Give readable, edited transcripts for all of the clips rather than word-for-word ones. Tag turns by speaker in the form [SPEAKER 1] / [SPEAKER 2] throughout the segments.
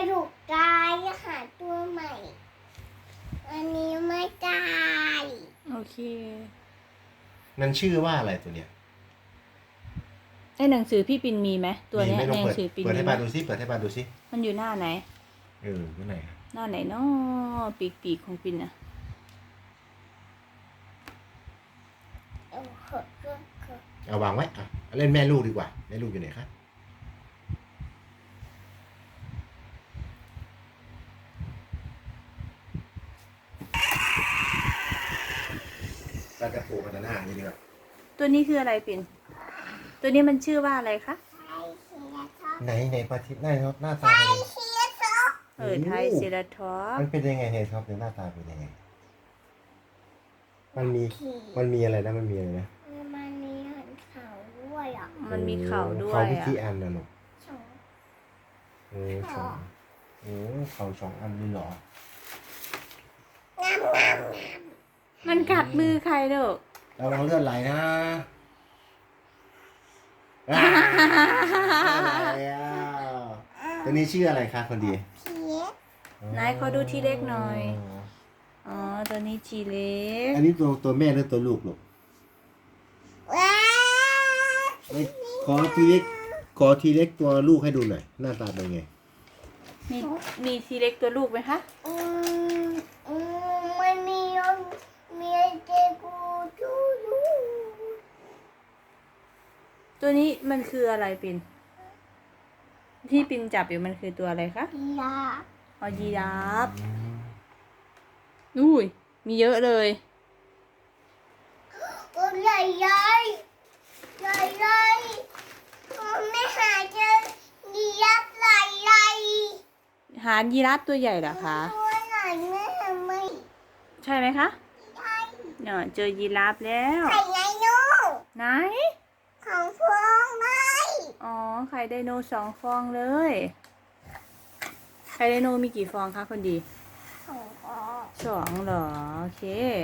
[SPEAKER 1] ดุกตายหาตัวใหม่อันนี้ไม่ตาย
[SPEAKER 2] โอเค
[SPEAKER 3] มันชื่อว่าอะไรตัวเนี้ย
[SPEAKER 2] ในหนังสือพี่ปินมีไหมตัวเนี้ย
[SPEAKER 3] ไม่
[SPEAKER 2] ใน
[SPEAKER 3] ลอง
[SPEAKER 2] หนั
[SPEAKER 3] เปิด
[SPEAKER 2] งสือปิน
[SPEAKER 3] เปิด
[SPEAKER 2] มี
[SPEAKER 3] ให้
[SPEAKER 2] ไหม
[SPEAKER 3] ปาดูซิเปิดให้ปาดูซิ
[SPEAKER 2] มันอยู่หน้าไหน
[SPEAKER 3] ที่ไหนครับ
[SPEAKER 2] หน้าไหนเนาะปีกของปินอะ
[SPEAKER 3] เอาวางไว้อ่ะเล่นแม่ลูกดีกว่าแม่ลูกอยู่ไหนครับปลากระโปงกันหน้านี่ดีกว่า
[SPEAKER 2] ตัวนี้คืออะไรปินตัวนี้มันชื่อว่าอะไรคะ
[SPEAKER 3] ไหนปลาทิพย์หน้าตาเป็นยังไง
[SPEAKER 2] ไทยเซราทอป
[SPEAKER 3] มันเป็นยังไงเนี่ยครับเดี๋ยวหน้าตาเป็นยังไงมันมีอะไรนะมันมีอะไรนะ
[SPEAKER 1] มันมีเขาด้วยอ่ะ
[SPEAKER 2] มันมีเข่าด้ว
[SPEAKER 3] เขา
[SPEAKER 2] ย
[SPEAKER 3] วิ
[SPEAKER 2] อะ
[SPEAKER 3] ธีอันนะลูก
[SPEAKER 1] สอง
[SPEAKER 3] สองเขา2 อันเลยเหรอ
[SPEAKER 2] มันกัดมือใครเด้อ
[SPEAKER 3] ระวังเลือดไหลนะอะไรอ่ะตัวนี้ชื่ออะไรคะคนดี
[SPEAKER 1] เพีย
[SPEAKER 2] นายขอดูทีเล็กหน่อยอ๋อตัวนี้ทีเล็ก
[SPEAKER 3] อันนี้ตัวแม่หรือตัวลูกลูก
[SPEAKER 1] ว้า
[SPEAKER 3] เอ้ยขอทีเล็กตัวลูกให้ดูหน่อยหน้าตาเป็นไง
[SPEAKER 2] มีทีเล็กตัวลูกไหมคะ
[SPEAKER 1] มันมีเจกูจูดู
[SPEAKER 2] ตัวนี้มันคืออะไรปินที่ปินจับอยู่มันคือตัวอะไรคะ
[SPEAKER 1] ยา
[SPEAKER 2] ออยีราฟอุ้ยมีเยอะเลย
[SPEAKER 1] ตัวใหญ่ใหญ่ใหญ่ใหญ่ไม่หาเจอดียับใหญ่ใหญ่
[SPEAKER 2] หายีราฟตัวใหญ่เหรอคะ
[SPEAKER 1] ตัวไหนแม่ไม่
[SPEAKER 2] ใช่ไหมคะ
[SPEAKER 1] ใช่
[SPEAKER 2] เนี่ยเจอยีราฟแล้ว
[SPEAKER 1] ไข่ไงโน่
[SPEAKER 2] ไหน
[SPEAKER 1] ของพวงไม้
[SPEAKER 2] อ๋อไข่ไดโน2 ฟองเลยไข่ไดโนมีกี่ฟองคะคนดี
[SPEAKER 1] ของพ่อ
[SPEAKER 2] 2เหรอโอเค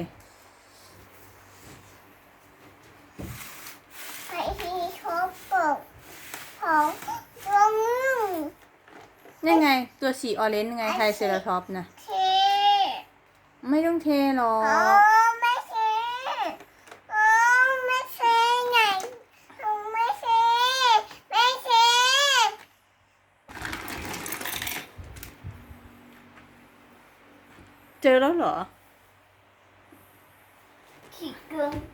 [SPEAKER 1] ไข่ที่ชอบปกของตัวมึง
[SPEAKER 2] นี่ไงตัวสีออเรนจ์ไงไทรเซราทอปส์นะ
[SPEAKER 1] เท
[SPEAKER 2] ไม่ต้องเทหรอ
[SPEAKER 1] อ๋อก ไม่เทอ๋อไม่เทไงไม่เทไม่เท
[SPEAKER 2] เจอแล้วเหรอ
[SPEAKER 1] ขี้เกิน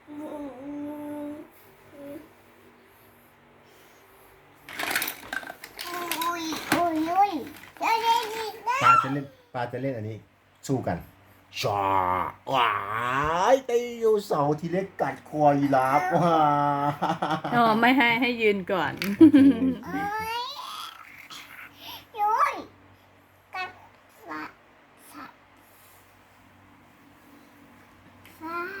[SPEAKER 1] อุ้ยอุ้ยอุ้ยจะได้ดีนะ
[SPEAKER 3] ปลาจะเล่นอันนี้สู้กันชาว้ายไดโนเสาร์ทีเล็กกัดคอยีราฟว้า
[SPEAKER 2] อ๋อไม่ให้ยืนก่อน
[SPEAKER 1] เอ้ยยุ้ยกัดสัตว์สัตว์สัตว์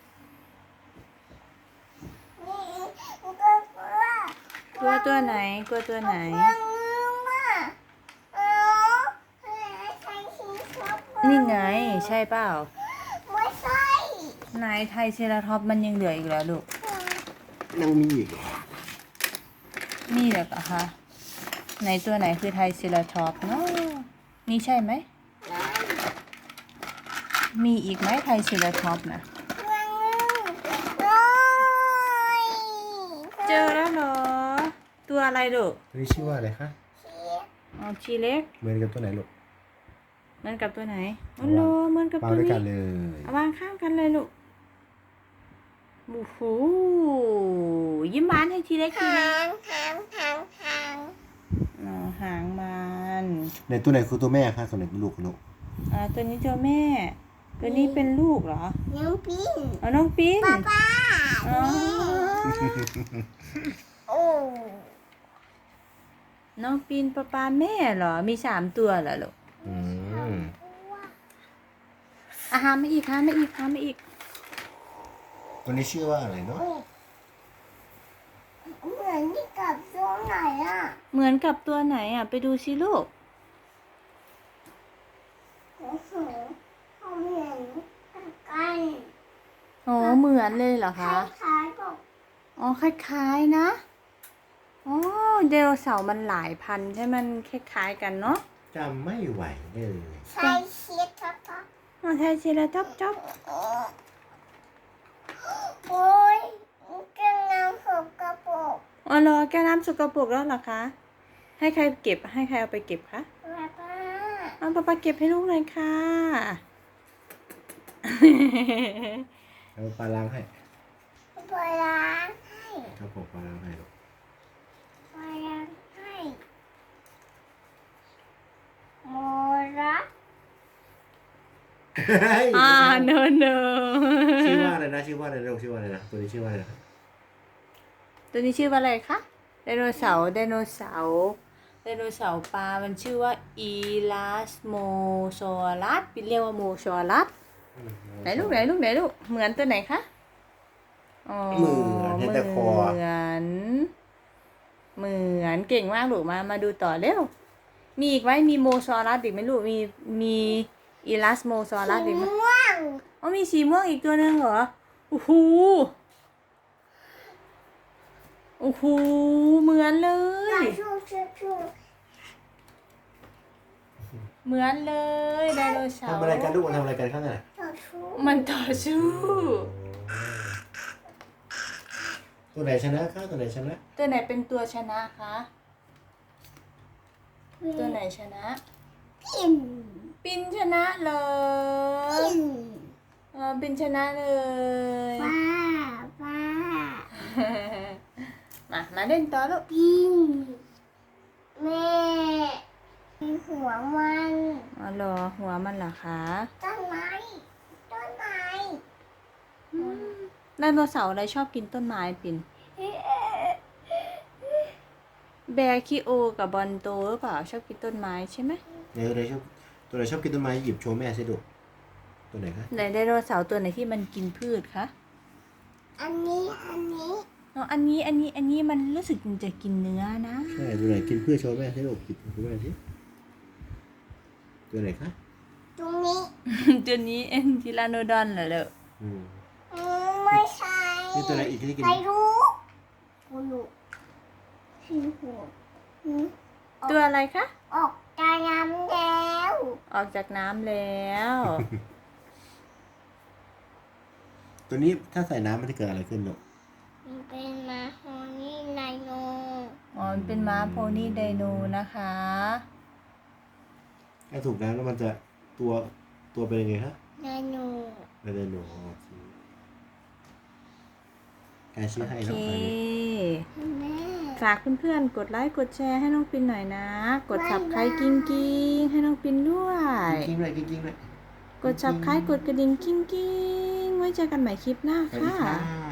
[SPEAKER 1] นี่ก็กลัว
[SPEAKER 2] ตัวไหนกลัวตัวไหน
[SPEAKER 1] กลัวงูอ่ะเอ้าใครชี้ชอบกลัว
[SPEAKER 2] นี่ไงใช่เปล่า
[SPEAKER 1] ไม่ใช่
[SPEAKER 2] ไหนไทรเซราทอปส์มันยังเหลืออีกแล้วลูก
[SPEAKER 3] ยังมีอีก
[SPEAKER 2] มีเหรอคะไหนตัวไหนคือไทรเซราทอปส์เนาะนี่ใช่ไหม มีอีกไหมไทรเซราทอปส์นะ
[SPEAKER 1] กลัวงูน้อย
[SPEAKER 2] เจอแล้วเหรอ ตัวอะไรลูก
[SPEAKER 3] ตัวนี้ชื่อว่าอะไรคะ
[SPEAKER 2] อ๋อชีเล็ก
[SPEAKER 3] เหมือนกับตัวไหนลูก
[SPEAKER 2] เหมือนกับตัวไหนอ๋อเหรอเหมือนกับ
[SPEAKER 3] ปลา
[SPEAKER 2] ตัว
[SPEAKER 3] ด้วย
[SPEAKER 2] นี้
[SPEAKER 3] กันเลย
[SPEAKER 2] เอาวางข้างกันเลยลูกโอ้โหยิ้มหวานให้ทีเล็กที
[SPEAKER 1] หา
[SPEAKER 2] นึง
[SPEAKER 1] งหางหางหาง
[SPEAKER 2] อ๋อหางมัน
[SPEAKER 3] ในตัวไหนคือตัวแม่คะตัวไหนเป็นลูกลูก
[SPEAKER 2] ตัวนี้ตัวแม่ ตัวนี้เป็นลูกเหรอ
[SPEAKER 1] น้องปิ้ง
[SPEAKER 2] อ๋อน้องปิ้น
[SPEAKER 1] ป้า
[SPEAKER 2] อ๋อ
[SPEAKER 1] โอ้
[SPEAKER 2] น้องปิ้นป้าแม่เหรอ มี3 ตัวเหรอลูก
[SPEAKER 3] อืม
[SPEAKER 2] อาหารไม่อีกหาไม่อีกหาไม่อีก
[SPEAKER 3] ตัวนี้ชื่อว่าอะไรเนาะ
[SPEAKER 1] เหมือนที่กับตัวไหนอ่ะ
[SPEAKER 2] เหมือนกับตัวไหนอ่ะ ไปดูสิลูก
[SPEAKER 1] โอ้โหเขาเหมือนกัน
[SPEAKER 2] อ๋อเหมือนเลยเหรอ
[SPEAKER 1] ค
[SPEAKER 2] คะ
[SPEAKER 1] ล้ายๆกับ
[SPEAKER 2] อ๋อคล้ายๆนะ อ๋อไดโนเสาร์มันหลายพันธุ์ใช่มันคล้ายๆกันเนาะ
[SPEAKER 3] จจำไม่ไหวเลย
[SPEAKER 1] ใส่ชีสท็อป
[SPEAKER 2] อ๋อไทยชิลาจ๊อบจ๊อบ
[SPEAKER 1] โอ้ยกำลังหกกระปุก
[SPEAKER 2] อ๋อเหรอแก้วน้ำสกปรกแล้วเหรอคะ ให้ใครเก็บให้ใครเอาไปเก็บคะ
[SPEAKER 1] ป้าป้า
[SPEAKER 2] เอาป้าเก็บให้ลูกหน่อยค่ะ
[SPEAKER 3] เอาปลาล้างให้
[SPEAKER 1] ปลาล้างให้
[SPEAKER 3] ครับผมปลาล้างให้ลูก
[SPEAKER 1] ปลาล้างให้โมระ
[SPEAKER 2] เนอะเนอะ
[SPEAKER 3] ชื่อว่าอะไรนะชื่อว่าอะไรลูกชื่อว่าอะไรนะตัวนี้ชื่อว่าอะไรนะ
[SPEAKER 2] ตัวนี้ชื่อว่าอะไรคะไดโนเสาร์ไดโนเสาร์ไดโนเสาร์ปลา มันชื่อว่าอีลาสโมซอรัสเป็นเรียกว่าโมซอรัสไหนลูกเหมือนตัวไหนคะอ๋อ
[SPEAKER 3] เหมือนแต่คอ
[SPEAKER 2] เหมือนเก่งมากลูกมาดูต่อเร็วมีอีกไหมมีโมซอรัสอีกไหมลูกมีอีลาสโมซอรัสอีกไหม
[SPEAKER 1] ม่วง
[SPEAKER 2] อ๋อมีสีม่วงอีกตัวหนึ่งเหรอโอ้โหเหมือนเลย
[SPEAKER 1] ชู
[SPEAKER 2] เหมือนเลยไดโนเสาร์
[SPEAKER 3] ทำอะไรกันลูกมันทำอะไรกันข้างใน
[SPEAKER 1] ชู
[SPEAKER 2] มันต่อสู้
[SPEAKER 3] ตัวไหนชนะคะตัวไหนชนะ
[SPEAKER 2] ตัวไหนเป็นตัวชนะคะ ตัวไหนชนะ
[SPEAKER 1] ปิ่น
[SPEAKER 2] ปินชนะเลย
[SPEAKER 1] ปิ่น
[SPEAKER 2] ปินชนะเลย
[SPEAKER 1] ป้า
[SPEAKER 2] มาเล่นต่อลูก
[SPEAKER 1] ปิ่นแม่หัวมัน
[SPEAKER 2] อ๋อเหรอหัวมันเหรอคะ
[SPEAKER 1] ต้นไม้
[SPEAKER 2] ไดโนเสาร์อะไรชอบกินต้นไม้ปินแบร์คิโอกับบอนโตหรือเปล่าชอบกินต้นไม้ใช่ไหม
[SPEAKER 3] ตัวไหนชอบกินต้นไม้หยิบโชว์แม่สิลูกตัวไหนคะ
[SPEAKER 2] ไหนไดโนเสาร์ตัวไหนที่มันกินพืชคะ
[SPEAKER 1] อันนี้
[SPEAKER 2] อ๋ออันนี้มันรู้สึกมันจะกินเนื้อนะ
[SPEAKER 3] ใช่ตัวไหนกินเพื่อโชว์แม่สิลูกหยิบโชว์แม่สิตัวไหนคะ
[SPEAKER 1] ตรงนี้
[SPEAKER 2] ตัวนี้เอ็นทิลาโนดอนเหรอลูก
[SPEAKER 1] ไม่ใช่
[SPEAKER 3] นี่ตัวไหนอีกที่กิน
[SPEAKER 1] ใครรู้กูรู้สีหัว
[SPEAKER 2] ตัวอะไรคะ
[SPEAKER 1] ออกจากน้ำแล้ว
[SPEAKER 2] ออกจากน้ำแล้ว
[SPEAKER 3] ตัวนี้ถ้าใส่น้ำมันจะเกิดอะไรขึ้นลูก
[SPEAKER 1] มันเป็นมาโฮนี่ไนโน
[SPEAKER 2] อ๋อมันเป็นม้าโพนี่ไดโนนะคะ
[SPEAKER 3] ถ้าถูกน้ำแล้วมันจะตัวเป็นยังไงคะ
[SPEAKER 1] ไนโน
[SPEAKER 3] ไม่ได้หนูใครชื่อให้
[SPEAKER 2] โอ
[SPEAKER 3] น้อง
[SPEAKER 2] เค
[SPEAKER 3] ใคร
[SPEAKER 1] แม่
[SPEAKER 2] ฝากเพื่อนๆกดไลค์กดแชร์ให้น้องปินหน่อยนะ กด subscribe กิ้งกิ้งให้น้องปินด้วย
[SPEAKER 3] กิ้งเลยกิ้งเลย
[SPEAKER 2] กด subscribe กดกระดิ่งกิ้งกิ้งไว้เจอกันใหม่คลิปหน้า
[SPEAKER 3] สวัสดี
[SPEAKER 2] ค่ะ
[SPEAKER 3] ค่ะ